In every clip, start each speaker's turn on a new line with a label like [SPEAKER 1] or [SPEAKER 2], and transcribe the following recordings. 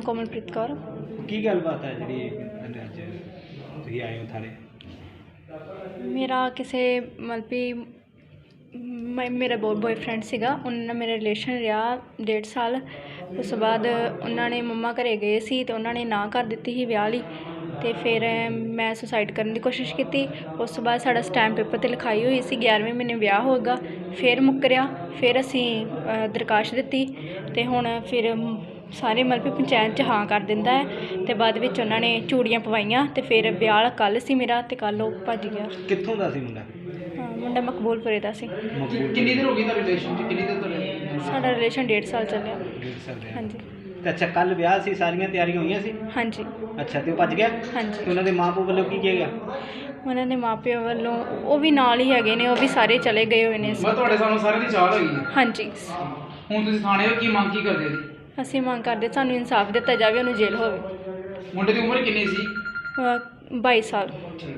[SPEAKER 1] ਕੋਮਲਪ੍ਰੀਤ ਕੌਰ।
[SPEAKER 2] ਕੀ ਗੱਲਬਾਤ ਹੈ ਜਿਹੜੀ ਅੱਜ ਤੁਸੀਂ ਆਏ ਹੋ ਥਾਣੇ?
[SPEAKER 1] ਮੇਰਾ ਕਿਸੇ ਮਤਲਬ ਵੀ ਮੇਰਾ ਬॉयਫ੍ਰੈਂਡ ਸੀਗਾ, ਉਹਨਾਂ ਨਾਲ ਮੇਰਾ ਰਿਲੇਸ਼ਨ ਰਿਹਾ 1.5 ਸਾਲ। ਉਸ ਤੋਂ ਬਾਅਦ ਉਹਨਾਂ ਨੇ ਮੰਮਾ ਘਰੇ ਗਏ ਸੀ ਅਤੇ ਉਹਨਾਂ ਨੇ ਨਾ ਕਰ ਦਿੱਤੀ ਸੀ ਵਿਆਹ ਲਈ, ਅਤੇ ਫਿਰ ਮੈਂ ਸੁਸਾਈਡ ਕਰਨ ਦੀ ਕੋਸ਼ਿਸ਼ ਕੀਤੀ। ਉਸ ਤੋਂ ਬਾਅਦ ਸਾਡਾ ਸਟੈਂਪ ਪੇਪਰ 'ਤੇ ਲਿਖਾਈ ਹੋਈ ਸੀ 11ਵੇਂ ਮਹੀਨੇ ਵਿਆਹ ਹੋਏਗਾ, ਫਿਰ ਮੁੱਕਰਿਆ। ਫਿਰ ਅਸੀਂ ਦਰਖਾਸਤ ਦਿੱਤੀ ਅਤੇ ਹੁਣ ਫਿਰ ਸਾਰੇ ਮਤਲਬ ਵੀ ਪੰਚਾਇਤ 'ਚ ਹਾਂ ਕਰ ਦਿੰਦਾ ਹੈ, ਅਤੇ ਬਾਅਦ ਵਿੱਚ ਉਹਨਾਂ ਨੇ ਚੂੜੀਆਂ ਪਵਾਈਆਂ ਅਤੇ ਫਿਰ ਵਿਆਹ ਕੱਲ੍ਹ ਸੀ ਮੇਰਾ, ਅਤੇ ਕੱਲ੍ਹ ਉਹ ਭੱਜ ਗਿਆ।
[SPEAKER 2] ਕਿੱਥੋਂ ਦਾ ਸੀ ਮੁੰਡਾ?
[SPEAKER 1] ਮੁੰਡਾ ਮਕਬੂਲਪੁਰੇ ਦਾ ਸੀ।
[SPEAKER 3] ਕਿੰਨੀ ਦੇਰ ਹੋ ਗਈ ਤੁਹਾਡੇ ਰਿਲੇਸ਼ਨ 'ਚ? ਕਿੰਨੀ ਦੇਰ ਤੁਹਾਡੇ?
[SPEAKER 1] ਸਾਡਾ ਰਿਲੇਸ਼ਨ 1.5 ਸਾਲ ਚੱਲਿਆ।
[SPEAKER 2] 1.5 ਸਾਲ ਰਿਹਾ।
[SPEAKER 1] ਹਾਂਜੀ
[SPEAKER 2] ਤੇ ਅੱਛਾ, ਕੱਲ੍ਹ ਵਿਆਹ ਸੀ, ਸਾਰੀਆਂ ਤਿਆਰੀਆਂ ਹੋਈਆਂ ਸੀ?
[SPEAKER 1] ਹਾਂਜੀ
[SPEAKER 2] ਅੱਛਾ, ਤੇ ਉਹ ਭੱਜ ਗਿਆ?
[SPEAKER 1] ਹਾਂਜੀ।
[SPEAKER 2] ਤੇ ਉਹਨਾਂ ਦੇ ਮਾਂ ਪਿਓ ਵੱਲੋਂ ਕੀ ਕਿਹਾ ਗਿਆ?
[SPEAKER 1] ਉਹਨਾਂ ਦੇ ਮਾਪਿਆਂ ਵੱਲੋਂ ਉਹ ਵੀ ਨਾਲ ਹੀ ਹੈਗੇ ਨੇ, ਉਹ ਵੀ ਸਾਰੇ ਚਲੇ ਗਏ ਹੋਏ ਨੇ।
[SPEAKER 3] ਮੈਂ ਤੁਹਾਡੇ ਸਾਹਮਣੇ ਸਾਰਿਆਂ ਦੀ ਚਾਲ ਹੈਗੀ ਹੈ।
[SPEAKER 1] ਹਾਂਜੀ।
[SPEAKER 3] ਹੁਣ ਤੁਸੀਂ ਥਾਣੇ ਹੋ, ਕੀ ਮੰਗ ਕੀ ਕਰਦੇ ਜੀ?
[SPEAKER 1] ਅਸੀਂ ਮੰਗ ਕਰਦੇ ਸਾਨੂੰ ਇਨਸਾਫ ਦਿੱਤਾ ਜਾਵੇ, ਉਹਨੂੰ ਜੇਲ੍ਹ ਹੋਵੇ।
[SPEAKER 3] ਮੁੰਡੇ ਦੀ ਉਮਰ ਕਿੰਨੀ ਸੀ?
[SPEAKER 1] 22 ਸਾਲ।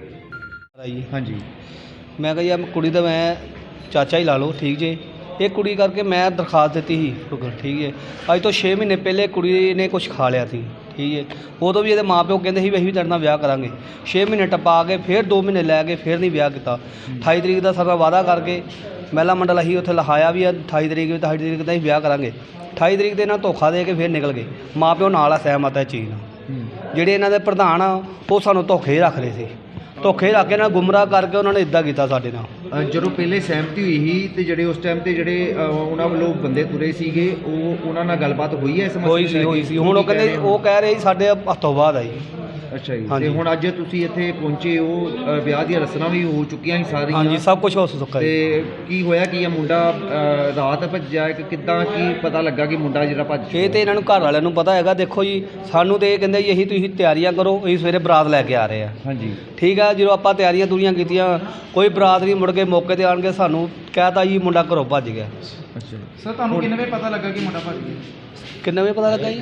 [SPEAKER 4] ਹਾਂਜੀ, ਮੈਂ ਕਿਹਾ ਯਾਰ ਕੁੜੀ ਦਾ ਮੈਂ ਚਾਚਾ ਹੀ ਲਾ ਲਓ, ਠੀਕ ਜੇ। ਇਹ ਕੁੜੀ ਕਰਕੇ ਮੈਂ ਦਰਖਾਸਤ ਦਿੱਤੀ ਸੀ ਸ਼ੁਕਰ, ਠੀਕ ਹੈ। ਅੱਜ ਤੋਂ 6 ਮਹੀਨੇ ਪਹਿਲੇ ਕੁੜੀ ਨੇ ਕੁਝ ਖਾ ਲਿਆ ਸੀ, ਠੀਕ ਹੈ। ਉਦੋਂ ਵੀ ਇਹਦੇ ਮਾਂ ਪਿਓ ਕਹਿੰਦੇ ਸੀ ਵੀ ਅਸੀਂ ਵੀ ਤੇਰੇ ਨਾਲ ਵਿਆਹ ਕਰਾਂਗੇ। 6 ਮਹੀਨੇ ਟਪਾ ਕੇ ਫਿਰ 2 ਮਹੀਨੇ ਲੈ ਕੇ ਫਿਰ ਨਹੀਂ ਵਿਆਹ ਕੀਤਾ। 28 ਤਰੀਕ ਦਾ ਸਾਡਾ ਵਾਅਦਾ ਕਰਕੇ ਮਹਿਲਾ ਮੰਡਲ ਅਸੀਂ ਉੱਥੇ ਲਿਖਾਇਆ ਵੀ 28 ਤਰੀਕ ਵੀ 28 ਤਰੀਕ ਦਾ ਅਸੀਂ ਵਿਆਹ ਕਰਾਂਗੇ। 28 ਤਰੀਕ ਦੇ ਨਾਲ ਧੋਖਾ ਦੇ ਕੇ ਫਿਰ ਨਿਕਲ ਗਏ। ਮਾਂ ਪਿਓ ਨਾਲ ਆ ਸਹਿਮਤ ਹੈ ਚੀਜ਼ ਨਾਲ। ਜਿਹੜੇ ਇਹਨਾਂ ਦੇ ਪ੍ਰਧਾਨ ਆ ਉਹ ਸਾਨੂੰ ਧੋਖੇ ਰੱਖ ਰਹੇ ਸੀ, ਧੋਖੇ ਰੱਖ ਕੇ ਨਾਲ ਗੁੰਮਰਾਹ ਕਰਕੇ ਉਹਨਾਂ ਨੇ ਇੱਦਾਂ ਕੀਤਾ ਸਾਡੇ ਨਾਲ।
[SPEAKER 5] ਜਦੋਂ ਪਹਿਲੇ ਸਹਿਮਤੀ ਹੋਈ ਸੀ ਤੇ ਜਿਹੜੇ ਉਸ ਟਾਈਮ ਤੇ ਜਿਹੜੇ ਉਹਨਾਂ ਵੱਲੋਂ ਬੰਦੇ ਤੁਰੇ ਸੀਗੇ, ਉਹਨਾਂ ਨਾਲ ਗੱਲਬਾਤ ਹੋਈ ਹੈ ਇਸ ਮਸਲੇ?
[SPEAKER 4] ਹੋਈ ਸੀ। ਹੁਣ ਉਹ ਕਹਿੰਦੇ, ਉਹ ਕਹਿ ਰਹੇ ਸੀ ਸਾਡੇ ਹੱਥੋਂ ਬਾਅਦ ਆਈ।
[SPEAKER 5] ਅੱਛਾ ਜੀ। ਤੇ ਹੁਣ ਅੱਜ ਤੁਸੀਂ ਇੱਥੇ ਪਹੁੰਚੇ ਹੋ, ਵਿਆਹ ਦੀਆਂ ਰਸਮਾਂ ਵੀ ਹੋ ਚੁੱਕੀਆਂ ਸੀ ਸਾਰੀਆਂ?
[SPEAKER 4] ਹਾਂਜੀ, ਸਭ ਕੁਝ ਹੋ ਚੁੱਕਾ।
[SPEAKER 5] ਤੇ ਕੀ ਹੋਇਆ ਕੀ ਆ? ਮੁੰਡਾ ਰਾਤ ਭੱਜਿਆ ਕਿ ਕਿੱਦਾਂ, ਕੀ ਪਤਾ ਲੱਗਾ ਕਿ ਮੁੰਡਾ ਜਿਹੜਾ ਭੱਜ?
[SPEAKER 4] ਇਹ ਤੇ ਇਹਨਾਂ ਨੂੰ ਘਰ ਵਾਲਿਆਂ ਨੂੰ ਪਤਾ ਹੈਗਾ। ਦੇਖੋ ਜੀ, ਸਾਨੂੰ ਤੇ ਇਹ ਕਹਿੰਦੇ ਜੀ ਅਸੀਂ ਤੁਸੀਂ ਤਿਆਰੀਆਂ ਕਰੋ, ਅਸੀਂ ਸਵੇਰੇ ਬਰਾਤ ਲੈ ਕੇ ਆ ਰਹੇ ਆ।
[SPEAKER 5] ਹਾਂਜੀ,
[SPEAKER 4] ਠੀਕ ਆ। ਜਦੋਂ ਆਪਾਂ ਤਿਆਰੀਆਂ ਤੁਰੀਆਂ ਕੀਤੀਆਂ, ਕੋਈ ਬਰਾਤ ਨਹੀਂ, ਮੁੜ ਕੇ ਮੌਕੇ 'ਤੇ ਆਣ ਕੇ ਸਾਨੂੰ ਕਹਿਤਾ ਜੀ ਮੁੰਡਾ ਘਰੋਂ ਭੱਜ ਗਿਆ।
[SPEAKER 5] ਅੱਛਾ।
[SPEAKER 3] ਸਰ, ਤੁਹਾਨੂੰ ਕਿੰਨੇ ਵਜੇ ਪਤਾ ਲੱਗਾ ਕਿ ਮੁੰਡਾ ਭੱਜ ਗਿਆ?
[SPEAKER 4] ਕਿੰਨੇ ਵਜੇ ਪਤਾ ਲੱਗਾ ਜੀ?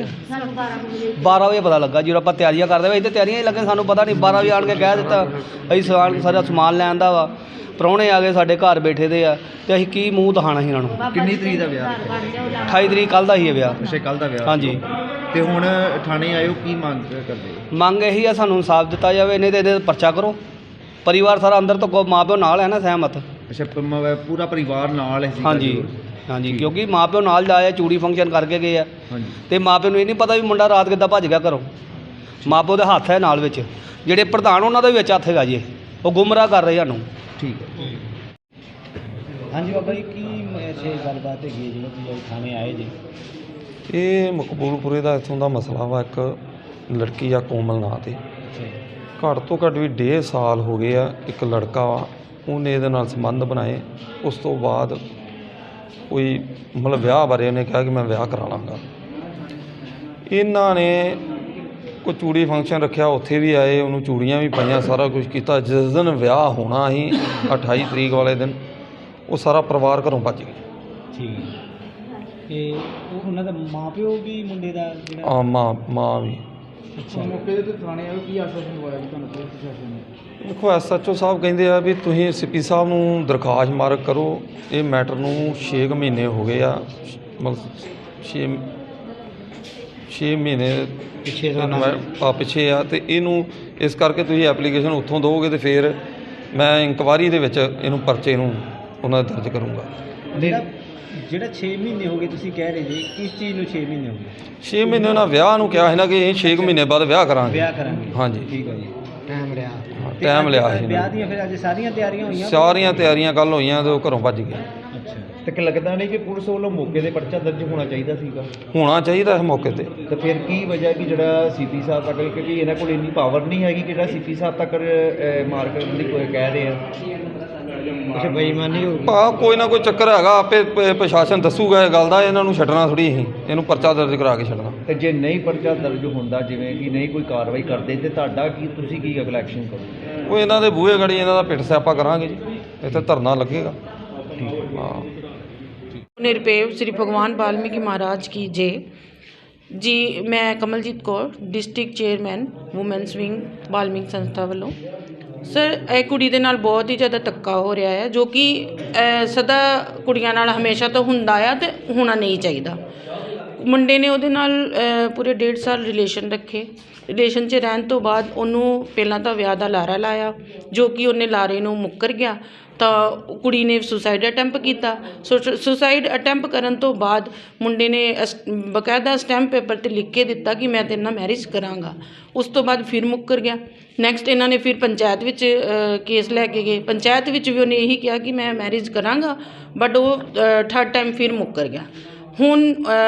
[SPEAKER 4] 12 ਵਜੇ ਪਤਾ ਲੱਗਾ। ਜਦੋਂ ਆਪਾਂ ਤਿਆਰੀਆਂ ਕਰਦੇ ਵੇ, ਇੱਥੇ ਤਿਆਰੀਆਂ ਹੀ ਲੱਗੇ, ਸਾਨੂੰ ਪਤਾ ਨਹੀਂ। 12 ਵਜੇ ਆਣ ਕੇ ਕਹਿ ਦਿੱਤਾ ਅਸੀਂ ਸਾਰਾ ਸਮਾਨ ਲੈਣ ਦਾ ਵਾ। ਪ੍ਰਾਹੁਣੇ ਆ ਗਏ ਸਾਡੇ ਘਰ ਬੈਠੇ ਦੇ ਆ, ਅਤੇ ਅਸੀਂ ਕੀ ਮੂੰਹ ਦਿਖਾਉਣਾ ਸੀ ਇਹਨਾਂ ਨੂੰ।
[SPEAKER 5] ਕਿੰਨੀ ਤਰੀਕ ਦਾ ਵਿਆਹ?
[SPEAKER 4] 28 ਤਰੀਕ ਕੱਲ੍ਹ ਦਾ ਹੀ ਹੈ ਵਿਆਹ।
[SPEAKER 5] ਅੱਛਾ, ਕੱਲ੍ਹ ਦਾ ਵਿਆਹ।
[SPEAKER 4] ਹਾਂਜੀ।
[SPEAKER 5] ਤੇ ਹੁਣ ਥਾਣੇ ਆਇਓ, ਕੀ ਮੰਗ ਕਰਦੇ ਹੋ?
[SPEAKER 4] ਮੰਗ ਇਹੀ ਆ ਸਾਨੂੰ ਇਨਸਾਫ ਦਿੱਤਾ ਜਾਵੇ, ਨਹੀਂ ਤਾਂ ਇਹਦੇ ਪਰਚਾ ਕਰੋ। ਪਰਿਵਾਰ ਸਾਰਾ ਅੰਦਰ ਤੋਂ ਮਾਂ ਪਿਓ ਨਾਲ ਹੈ ਨਾ ਸਹਿਮਤ।
[SPEAKER 5] ਅੱਛਾ, ਪੂਰਾ ਪਰਿਵਾਰ ਨਾਲ ਹੈ?
[SPEAKER 4] ਹਾਂਜੀ ਹਾਂਜੀ, ਕਿਉਂਕਿ ਮਾਂ ਪਿਓ ਨਾਲ ਜਾਏ, ਚੂੜੀ ਫੰਕਸ਼ਨ ਕਰਕੇ ਗਏ ਆ।
[SPEAKER 5] ਹਾਂਜੀ।
[SPEAKER 4] ਅਤੇ ਮਾਂ ਪਿਓ ਨੂੰ ਇਹ ਨਹੀਂ ਪਤਾ ਵੀ ਮੁੰਡਾ ਰਾਤ ਕਿੱਦਾਂ ਭੱਜ ਗਿਆ ਘਰੋਂ। ਮਾਂ ਪਿਓ ਦੇ ਹੱਥ ਹੈ ਨਾਲ ਵਿੱਚ, ਜਿਹੜੇ ਪ੍ਰਧਾਨ ਉਹਨਾਂ ਦਾ ਵੀ ਵਿੱਚ ਹੱਥ ਹੈਗਾ ਜੀ। ਉਹ ਗੁੰਮਰਾਹ ਕਰ ਰਹੇ ਸਾਨੂੰ।
[SPEAKER 5] ਠੀਕ ਹੈ।
[SPEAKER 2] ਹਾਂਜੀ ਬਾਬਾ ਜੀ, ਕੀ ਗੱਲਬਾਤ ਹੈਗੀ ਜਿਹੜੀ ਤੁਸੀਂ ਥਾਣੇ ਆਏ ਜੀ?
[SPEAKER 6] ਇਹ ਮਕਬੂਲਪੁਰੇ ਦਾ ਇੱਥੋਂ ਦਾ ਮਸਲਾ ਵਾ। ਇੱਕ ਲੜਕੀ ਆ ਕੋਮਲ ਨਾਂ 'ਤੇ, ਘੱਟ ਤੋਂ ਘੱਟ ਵੀ 1.5 ਸਾਲ ਹੋ ਗਏ ਆ। ਇੱਕ ਲੜਕਾ ਵਾ, ਉਹਨੇ ਇਹਦੇ ਨਾਲ ਸੰਬੰਧ ਬਣਾਏ। ਉਸ ਤੋਂ ਬਾਅਦ ਕੋਈ ਮਤਲਬ ਵਿਆਹ ਬਾਰੇ ਉਹਨੇ ਕਿਹਾ ਕਿ ਮੈਂ ਵਿਆਹ ਕਰਾ ਲਾਂਗਾ। ਇਹਨਾਂ ਨੇ ਕੋਈ ਚੂੜੀ ਫੰਕਸ਼ਨ ਰੱਖਿਆ, ਉੱਥੇ ਵੀ ਆਏ, ਉਹਨੂੰ ਚੂੜੀਆਂ ਵੀ ਪਾਈਆਂ, ਸਾਰਾ ਕੁਝ ਕੀਤਾ। ਜਿਸ ਦਿਨ ਵਿਆਹ ਹੋਣਾ ਸੀ 28 ਤਰੀਕ ਵਾਲੇ ਦਿਨ, ਉਹ ਸਾਰਾ ਪਰਿਵਾਰ ਘਰੋਂ ਭੱਜ ਗਿਆ।
[SPEAKER 2] ਠੀਕ ਹੈ। ਤੇ ਉਹ ਉਹਨਾਂ ਦਾ ਮਾਂ ਪਿਓ ਵੀ ਮੁੰਡੇ ਦਾ ਜਿਹੜਾ?
[SPEAKER 6] ਆ ਮਾਂ ਵੀ।
[SPEAKER 2] ਅੱਛਾ।
[SPEAKER 3] ਮੌਕੇ ਤੇ ਥਾਣੇ ਆਇਓ, ਕੀ ਆਸ਼ਵਾਸਨ ਦਵਾਇਆ ਜੀ ਤੁਹਾਨੂੰ ਪੁਲਿਸ ਪ੍ਰਸ਼ਾਸਨ ਨੇ?
[SPEAKER 6] ਦੇਖੋ, SHO ਸਾਹਿਬ ਕਹਿੰਦੇ ਆ ਵੀ ਤੁਸੀਂ CP ਸਾਹਿਬ ਨੂੰ ਦਰਖਾਸਤ ਮਾਰਕ ਕਰੋ। ਇਹ ਮੈਟਰ ਨੂੰ 6 ਮਹੀਨੇ ਹੋ ਗਏ ਆ, ਮਤਲਬ 6 ਮਹੀਨੇ ਪਿੱਛੇ ਆ। ਅਤੇ ਇਹਨੂੰ ਇਸ ਕਰਕੇ ਤੁਸੀਂ ਐਪਲੀਕੇਸ਼ਨ ਉੱਥੋਂ ਦਿਓਗੇ ਅਤੇ ਫਿਰ ਮੈਂ ਇਨਕੁਆਇਰੀ ਦੇ ਵਿੱਚ ਇਹਨੂੰ ਪਰਚੇ ਨੂੰ ਉਹਨਾਂ ਦਾ ਦਰਜ ਕਰੂੰਗਾ।
[SPEAKER 2] ਜਿਹੜਾ 6 ਮਹੀਨੇ ਹੋ ਗਏ ਤੁਸੀਂ ਕਹਿ ਰਹੇ ਜੀ, ਕਿਸ ਚੀਜ਼ ਨੂੰ 6 ਮਹੀਨੇ ਹੋ ਗਏ?
[SPEAKER 6] 6 ਮਹੀਨੇ ਉਹਨਾਂ ਵਿਆਹ ਨੂੰ ਕਿਹਾ ਸੀ ਨਾ ਕਿ ਅਸੀਂ 6 ਮਹੀਨੇ ਬਾਅਦ ਵਿਆਹ ਕਰਾਂਗੇ। ਹਾਂਜੀ,
[SPEAKER 2] ਠੀਕ ਹੈ ਜੀ। ਟਾਈਮ ਲਿਆ
[SPEAKER 6] ਸੀ।
[SPEAKER 2] ਵਿਆਹ ਦੀਆਂ ਫਿਰ ਅੱਜ ਸਾਰੀਆਂ ਤਿਆਰੀਆਂ ਹੋਈਆਂ?
[SPEAKER 6] ਸਾਰੀਆਂ ਤਿਆਰੀਆਂ ਕੱਲ੍ਹ ਹੋਈਆਂ ਅਤੇ ਉਹ ਘਰੋਂ ਭੱਜ ਗਏ।
[SPEAKER 2] ਅੱਛਾ।
[SPEAKER 5] ਤੇ ਲੱਗਦਾ ਨਹੀਂ ਕਿ ਪੁਲਿਸ ਵੱਲੋਂ ਮੌਕੇ 'ਤੇ ਪਰਚਾ ਦਰਜ ਹੋਣਾ ਚਾਹੀਦਾ ਸੀਗਾ?
[SPEAKER 6] ਹੋਣਾ ਚਾਹੀਦਾ ਇਸ ਮੌਕੇ 'ਤੇ।
[SPEAKER 5] ਤਾਂ ਫਿਰ ਕੀ ਵਜ੍ਹਾ ਕਿ ਜਿਹੜਾ CP ਸਾਹਿਬ ਤੱਕ, ਕਿਉਂਕਿ ਇਹਨਾਂ ਕੋਲ ਇੰਨੀ ਪਾਵਰ ਨਹੀਂ ਹੈਗੀ ਕਿ ਜਿਹੜਾ CP ਸਾਹਿਬ ਤੱਕ ਮਾਰ ਕਰਨ ਦੀ ਕੋਈ ਕਹਿ ਰਹੇ ਆ? ਅੱਛਾ, ਬੇਈਮਾਨੀ ਹੋ ਗਈ।
[SPEAKER 6] ਕੋਈ ਨਾ ਕੋਈ ਚੱਕਰ ਹੈਗਾ, ਆਪੇ ਪ੍ਰਸ਼ਾਸਨ ਦੱਸੂਗਾ ਇਹ ਗੱਲ ਦਾ। ਇਹਨਾਂ ਨੂੰ ਛੱਡਣਾ ਥੋੜ੍ਹੀ ਅਸੀਂ, ਇਹਨੂੰ ਪਰਚਾ ਦਰਜ ਕਰਾ ਕੇ ਛੱਡਣਾ।
[SPEAKER 5] ਤੇ ਜੇ ਨਹੀਂ ਪਰਚਾ ਦਰਜ ਹੁੰਦਾ, ਜਿਵੇਂ ਕਿ ਨਹੀਂ ਕੋਈ ਕਾਰਵਾਈ ਕਰਦੇ, ਤੇ ਤੁਹਾਡਾ ਕੀ, ਤੁਸੀਂ ਕੀ ਅਗਲਾ ਐਕਸ਼ਨ ਕਰੋਗੇ?
[SPEAKER 6] ਉਹ ਇਹਨਾਂ ਦੇ ਬੂਹੇ ਗੜੀ ਇਹਨਾਂ ਦਾ ਪਿੱਟ ਸਿਆਪਾ ਕਰਾਂਗੇ ਜੀ। ਇੱਥੇ ਧਰਨਾ ਲੱਗੇਗਾ। ਹਾਂ।
[SPEAKER 7] ਨਿਰਪੇਵ श्री भगवान वाल्मीकि महाराज की जय जी। मैं Kamaljeet Kaur, district chairman women's wing Valmiki संस्था वालों। सर, ਇਹ ਕੁੜੀ ਦੇ ਨਾਲ ਬਹੁਤ ਹੀ ਜ਼ਿਆਦਾ ਧੱਕਾ ਹੋ ਰਿਹਾ ਹੈ, ਜੋ ਕਿ ਸਦਾ ਕੁੜੀਆਂ ਨਾਲ ਹਮੇਸ਼ਾ ਤੋਂ ਹੁੰਦਾ ਆ ਅਤੇ ਹੋਣਾ ਨਹੀਂ ਚਾਹੀਦਾ। ਮੁੰਡੇ ਨੇ ਉਹਦੇ ਨਾਲ ਪੂਰੇ 1.5 ਸਾਲ ਰਿਲੇਸ਼ਨ ਰੱਖੇ। ਰਿਲੇਸ਼ਨ 'ਚ ਰਹਿਣ ਤੋਂ ਬਾਅਦ ਉਹਨੂੰ ਪਹਿਲਾਂ ਤਾਂ ਵਿਆਹ ਦਾ ਲਾਰਾ ਲਾਇਆ, ਜੋ ਕਿ ਉਹਨੇ ਲਾਰੇ ਨੂੰ ਮੁੱਕਰ ਗਿਆ ਤਾਂ ਕੁੜੀ ਨੇ ਸੁਸਾਈਡ ਅਟੈਂਪ ਕੀਤਾ। ਸੁਸਾਈਡ ਅਟੈਂਪ ਕਰਨ ਤੋਂ ਬਾਅਦ ਮੁੰਡੇ ਨੇ ਬਕਾਇਦਾ ਸਟੈਂਪ ਪੇਪਰ 'ਤੇ ਲਿਖ ਕੇ ਦਿੱਤਾ ਕਿ ਮੈਂ ਤੇਰੇ ਨਾਲ ਮੈਰਿਜ ਕਰਾਂਗਾ। ਉਸ ਤੋਂ ਬਾਅਦ ਫਿਰ ਮੁੱਕਰ ਗਿਆ। ਨੈਕਸਟ ਇਹਨਾਂ ਨੇ ਫਿਰ ਪੰਚਾਇਤ ਵਿੱਚ ਕੇਸ ਲੈ ਕੇ ਗਏ। ਪੰਚਾਇਤ ਵਿੱਚ ਵੀ ਉਹਨੇ ਇਹੀ ਕਿਹਾ ਕਿ ਮੈਂ ਮੈਰਿਜ ਕਰਾਂਗਾ, ਬਟ ਉਹ ਥਰਡ ਟਾਈਮ ਫਿਰ ਮੁੱਕਰ ਗਿਆ। ਹੁਣ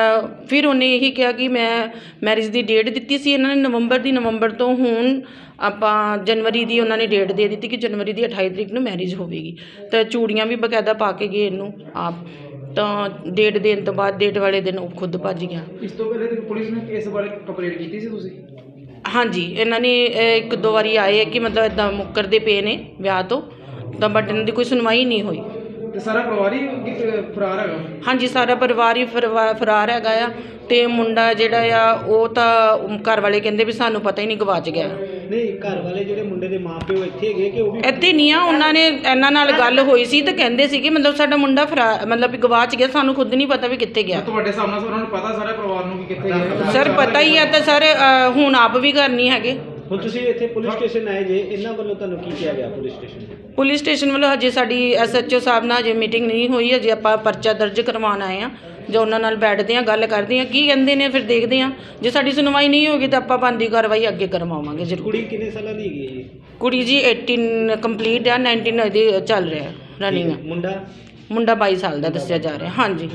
[SPEAKER 7] ਫਿਰ ਉਹਨੇ ਇਹੀ ਕਿਹਾ ਕਿ ਮੈਂ ਮੈਰਿਜ ਦੀ ਡੇਟ ਦਿੱਤੀ ਸੀ ਇਹਨਾਂ ਨੇ ਨਵੰਬਰ ਤੋਂ ਹੁਣ ਆਪਾਂ ਜਨਵਰੀ ਦੀ ਉਹਨਾਂ ਨੇ ਡੇਟ ਦੇ ਦਿੱਤੀ ਕਿ ਜਨਵਰੀ ਦੀ 28 ਤਰੀਕ ਨੂੰ ਮੈਰਿਜ ਹੋਵੇਗੀ। ਤਾਂ ਚੂੜੀਆਂ ਵੀ ਬਕਾਇਦਾ ਪਾ ਕੇ ਗਏ ਇਹਨੂੰ ਆਪ, ਤਾਂ ਡੇਟ ਦੇਣ ਤੋਂ ਬਾਅਦ ਡੇਟ ਵਾਲੇ ਦਿਨ ਉਹ ਖੁਦ ਭੱਜ ਗਿਆ।
[SPEAKER 3] ਇਸ ਤੋਂ ਪਹਿਲੇ ਤੇ ਪੁਲਿਸ ਨੇ ਇਸ ਬਾਰੇ ਕੰਪਲੇਂਟ ਕੀਤੀ ਸੀ ਤੁਸੀਂ?
[SPEAKER 7] ਹਾਂਜੀ, ਇਹਨਾਂ ਨੇ 1-2 ਵਾਰੀ ਆਏ ਕਿ ਮਤਲਬ ਇੱਦਾਂ ਮੁੱਕਰਦੇ ਪਏ ਨੇ ਵਿਆਹ ਤੋਂ, ਤਾਂ ਬਟ ਇਹਨਾਂ ਦੀ ਕੋਈ ਸੁਣਵਾਈ ਨਹੀਂ ਹੋਈ।
[SPEAKER 3] ਤੇ ਸਾਰਾ ਪਰਿਵਾਰ ਹੀ ਫਰਾਰ ਹੈਗਾ?
[SPEAKER 7] ਹਾਂਜੀ, ਸਾਰਾ ਪਰਿਵਾਰ ਹੀ ਫਰਾਰ ਹੈਗਾ ਆ। ਤੇ ਮੁੰਡਾ ਜਿਹੜਾ ਆ ਉਹ ਤਾਂ ਘਰ ਵਾਲੇ ਕਹਿੰਦੇ ਵੀ ਸਾਨੂੰ ਪਤਾ ਹੀ ਨਹੀਂ, ਗਵਾਚ ਗਿਆ।
[SPEAKER 2] ਨਹੀਂ, ਘਰ ਵਾਲੇ ਜਿਹੜੇ ਮੁੰਡੇ ਦੇ ਮਾਪਿਓ ਇੱਥੇ ਹੈਗੇ ਕਿ ਉਹ ਵੀ
[SPEAKER 7] ਇੱਥੇ ਨਹੀਂ ਆ, ਉਹਨਾਂ ਨੇ ਇਹਨਾਂ ਨਾਲ ਗੱਲ ਹੋਈ ਸੀ ਤਾਂ ਕਹਿੰਦੇ ਸੀ ਕਿ ਮਤਲਬ ਸਾਡਾ ਮੁੰਡਾ ਮਤਲਬ ਵੀ ਗਵਾਚ ਗਿਆ, ਸਾਨੂੰ ਖੁਦ ਨਹੀਂ ਪਤਾ ਵੀ ਕਿੱਥੇ ਗਿਆ।
[SPEAKER 3] ਤੁਹਾਡੇ ਸਾਹਮਣੇ ਉਹਨਾਂ ਨੂੰ ਪਤਾ ਸਾਰੇ ਪਰਿਵਾਰ ਨੂੰ ਕਿ ਕਿੱਥੇ ਗਿਆ?
[SPEAKER 7] ਸਰ ਪਤਾ ਹੀ ਆ, ਤਾਂ ਸਰ ਹੁਣ ਆਪ ਵੀ ਘਰ ਨਹੀਂ ਹੈਗੇ।
[SPEAKER 2] ਹੁਣ ਤੁਸੀਂ ਇੱਥੇ ਪੁਲਿਸ ਸਟੇਸ਼ਨ ਆਏ ਜੇ, ਇਹਨਾਂ ਵੱਲੋਂ ਤੁਹਾਨੂੰ ਕੀ ਕਿਹਾ ਗਿਆ ਪੁਲਿਸ ਸਟੇਸ਼ਨ?
[SPEAKER 7] ਪੁਲਿਸ ਸਟੇਸ਼ਨ ਵੱਲੋਂ ਹਜੇ ਸਾਡੀ SHO ਸਾਹਿਬ ਨਾਲ ਹਜੇ ਮੀਟਿੰਗ ਨਹੀਂ ਹੋਈ। ਹਜੇ ਆਪਾਂ ਪਰਚਾ ਦਰਜ ਕਰਵਾਉਣ ਆਏ ਹਾਂ, ਜੋ ਉਹਨਾਂ ਨਾਲ ਬੈਠਦੇ ਹਾਂ, ਗੱਲ ਕਰਦੇ ਹਾਂ, ਕੀ ਕਹਿੰਦੇ ਨੇ, ਫਿਰ ਦੇਖਦੇ ਹਾਂ। ਜੇ ਸਾਡੀ ਸੁਣਵਾਈ ਨਹੀਂ ਹੋਗੀ ਤਾਂ ਆਪਾਂ ਬਣਦੀ ਕਾਰਵਾਈ ਅੱਗੇ ਕਰਵਾਵਾਂਗੇ ਜ਼ਰੂਰ।
[SPEAKER 2] ਕੁੜੀ ਕਿੰਨੇ ਸਾਲਾਂ ਦੀ ਹੈਗੀ ਹੈ ਜੀ?
[SPEAKER 7] ਕੁੜੀ ਜੀ 18 ਕੰਪਲੀਟ ਆ, 19 ਇਹਦੀ ਚੱਲ ਰਿਹਾ ਰਨਿੰਗ। ਮੁੰਡਾ 22 ਸਾਲ ਦਾ ਦੱਸਿਆ ਜਾ ਰਿਹਾ। ਹਾਂਜੀ,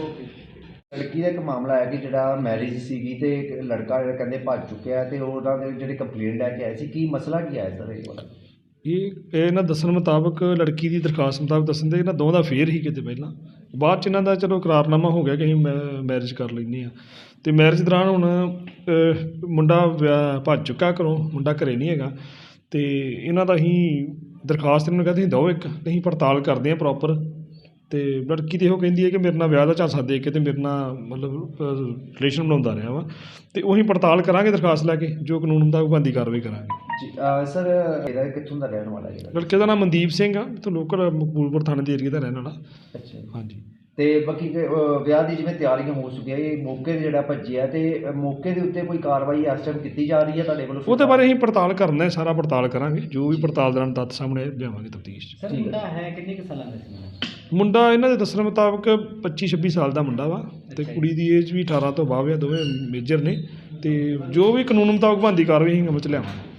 [SPEAKER 5] ਲੜਕੀ ਦਾ ਇੱਕ ਮਾਮਲਾ ਹੈ ਕਿ ਜਿਹੜਾ ਮੈਰਿਜ ਸੀਗੀ ਤੇ ਇੱਕ ਲੜਕਾ ਜਿਹੜਾ ਕਹਿੰਦੇ ਭੱਜ ਚੁੱਕਿਆ ਤੇ ਉਹਨਾਂ ਦੇ ਜਿਹੜੇ ਕੰਪਲੇਂਟ ਲੈ ਕੇ ਆਏ ਸੀ, ਕੀ ਮਸਲਾ ਕੀ ਆਇਆ ਸਰ ਇਹ ਵਾਲਾ?
[SPEAKER 8] ਇਹ ਇਹਨਾਂ ਦੱਸਣ ਮੁਤਾਬਕ ਲੜਕੀ ਦੀ ਦਰਖਾਸਤ ਮੁਤਾਬਕ ਦੱਸਣ ਦੇ ਇਹਨਾਂ ਦੋਵਾਂ ਦਾ ਅਫੇਅਰ ਹੀ ਕਿਤੇ ਪਹਿਲਾਂ, ਬਾਅਦ 'ਚ ਇਹਨਾਂ ਦਾ ਚਲੋ ਇਕਰਾਰਨਾਮਾ ਹੋ ਗਿਆ ਕਿ ਅਸੀਂ ਮੈਰਿਜ ਕਰ ਲੈਂਦੇ ਹਾਂ। ਅਤੇ ਮੈਰਿਜ ਦੌਰਾਨ ਹੁਣ ਮੁੰਡਾ ਭੱਜ ਚੁੱਕਾ ਘਰੋਂ, ਮੁੰਡਾ ਘਰੇ ਨਹੀਂ ਹੈਗਾ। ਅਤੇ ਇਹਨਾਂ ਦਾ ਅਸੀਂ ਦਰਖਾਸਤ ਇਹਨਾਂ ਨੂੰ ਕਹਿੰਦੇ ਅਸੀਂ ਦਿਓ ਇੱਕ, ਅਸੀਂ ਪੜਤਾਲ ਕਰਦੇ ਹਾਂ ਪ੍ਰੋਪਰ। ਅਤੇ ਲੜਕੀ ਤਾਂ ਇਹੋ ਕਹਿੰਦੀ ਹੈ ਕਿ ਮੇਰੇ ਨਾਲ ਵਿਆਹ ਦਾ ਝਾਂਸਾ ਦੇ ਕੇ ਅਤੇ ਮੇਰੇ ਨਾਲ ਮਤਲਬ ਰਿਲੇਸ਼ਨ ਬਣਾਉਂਦਾ ਰਿਹਾ ਵਾ। ਅਤੇ ਉਹੀ ਪੜਤਾਲ ਕਰਾਂਗੇ ਦਰਖਾਸਤ ਲੈ ਕੇ, ਜੋ ਕਾਨੂੰਨ ਮੁਤਾਬਕ ਬਣਦੀ ਕਾਰਵਾਈ ਕਰਾਂਗੇ।
[SPEAKER 5] ਜੀ ਸਰ, ਇਹਦਾ ਕਿੱਥੋਂ ਦਾ ਰਹਿਣ ਵਾਲਾ ਜਿਹੜਾ?
[SPEAKER 8] ਲੜਕੇ ਦਾ ਨਾਮ ਮਨਦੀਪ ਸਿੰਘ ਆ, ਇੱਥੋਂ ਲੋਕਲ ਮਕਬੂਲਪੁਰ ਥਾਣੇ ਦੇ ਏਰੀਏ ਦਾ ਰਹਿਣ ਵਾਲਾ।
[SPEAKER 5] ਅੱਛਾ,
[SPEAKER 8] ਹਾਂਜੀ।
[SPEAKER 5] ਤੇ ਬਾਕੀ ਵਿਆਹ ਦੀ ਜਿਵੇਂ ਤਿਆਰੀਆਂ ਹੋ ਚੁੱਕੀਆਂ, ਇਹ ਮੌਕੇ 'ਤੇ ਜਿਹੜਾ ਭੱਜਿਆ ਤੇ ਮੌਕੇ ਦੇ ਉੱਤੇ ਕੋਈ ਕਾਰਵਾਈ ਇਸ ਟਾਈਮ ਕੀਤੀ ਜਾ ਰਹੀ ਹੈ ਤੁਹਾਡੇ ਵੱਲੋਂ?
[SPEAKER 8] ਉਹਦੇ ਬਾਰੇ ਅਸੀਂ ਪੜਤਾਲ ਕਰਨਾ ਹੈ, ਸਾਰਾ ਪੜਤਾਲ ਕਰਾਂਗੇ, ਜੋ ਵੀ ਪੜਤਾਲ ਦੌਰਾਨ ਤੱਥ ਸਾਹਮਣੇ ਲਿਆਵਾਂਗੇ ਤਫਤੀਸ਼ 'ਚ।
[SPEAKER 2] ਸਰ ਮੁੰਡਾ ਹੈ ਕਿੰਨੇ ਕੁ ਸਾਲਾਂ ਦਾ ਸੀ?
[SPEAKER 8] ਮੁੰਡਾ ਇਹਨਾਂ ਦੇ ਦੱਸਣ ਮੁਤਾਬਕ 25-26 ਸਾਲ ਦਾ ਮੁੰਡਾ ਵਾ, ਅਤੇ ਕੁੜੀ ਦੀ ਏਜ ਵੀ 18 ਤੋਂ ਬਾਅਦ ਆ, ਦੋਵੇਂ ਮੇਜਰ ਨੇ। ਅਤੇ ਜੋ ਵੀ ਕਾਨੂੰਨ ਮੁਤਾਬਕ ਬਣਦੀ ਕਾਰਵਾਈ ਅਸੀਂ ਅਮਲ 'ਚ ਲਿਆਵਾਂਗੇ।